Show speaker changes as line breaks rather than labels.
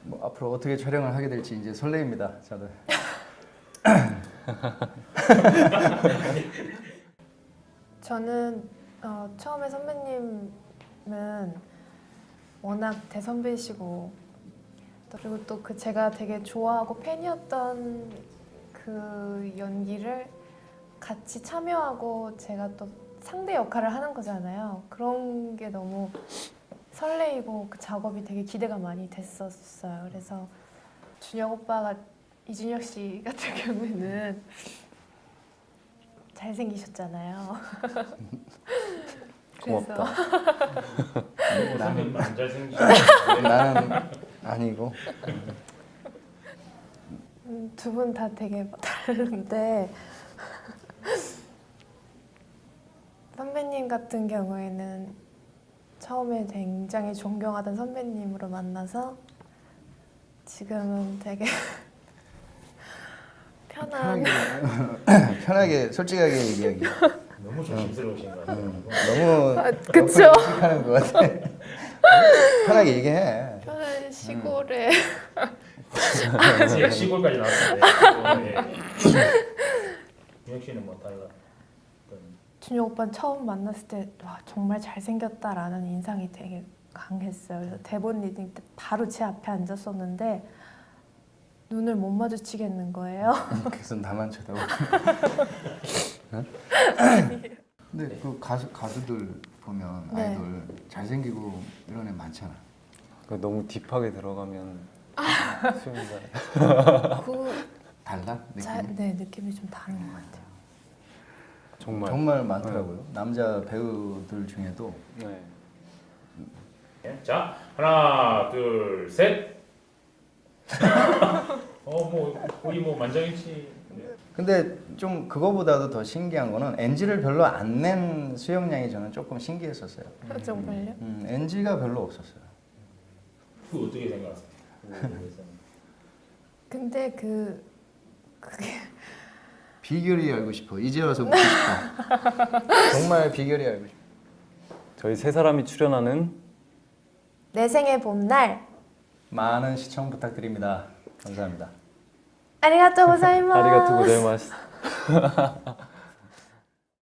뭐 앞으로 어떻게 촬영을 하게 될지 이제 설레입니다, 다들.
저는 처음에 선배님은 워낙 대선배시고 그리고 또 그 제가 되게 좋아하고 팬이었던 그 연기를 같이 참여하고 제가 또 상대 역할을 하는 거잖아요. 그런 게 너무 설레이고 그 작업이 되게 기대가 많이 됐었어요. 그래서 준혁 오빠가 이준혁 씨 같은 경우에는 잘생기셨잖아요.
고맙다.
나는 안 잘생기죠.
나는 아니고.
두 분 다 되게 다른데 선배님 같은 경우에는 처음에 굉장히 존경하던 선배님으로 만나서 지금은 되게 편한
편하게 솔직하게 얘기하기.
너무 조심스러우신 것 같아요.
너무
그쵸?
하는 것 같아. 편하게 얘기해.
편한 시골에
제가 시골까지 나왔는데 준혁 씨는 뭐 다이가 어떤
준혁 오빠는 처음 만났을 때 와, 정말 잘생겼다라는 인상이 되게 강했어요. 그래서 대본 리딩 때 바로 제 앞에 앉았었는데 눈을 못 마주치겠는 거예요.
계속 나만 쳐다보고. 근데 그 가수들 보면
네.
아이돌 잘생기고 이런 애 많잖아.
너무 딥하게 들어가면 수영자
달라? 느낌이?
네, 느낌이 좀 다른 것 같아요.
정말.
정말 많더라고요. 남자 배우들 중에도.
네.
자, 하나, 둘, 셋. 뭐 우리 뭐 만장일치.
근데 좀 그거보다도 더 신기한 거는 NG를 별로 안 낸 수영량이 저는 조금 신기했었어요.
정말요?
NG가 별로 없었어요.
그 어떻게 생각하세요?
근데 그게
비결이 알고 싶어. 이제 와서 묻고 싶어. 정말 비결이 알고 싶어.
저희 세 사람이 출연하는
내 생의 봄날
많은 시청 부탁드립니다. 감사합니다.
아리가또 고자이마스.
아리가토 고자이마스.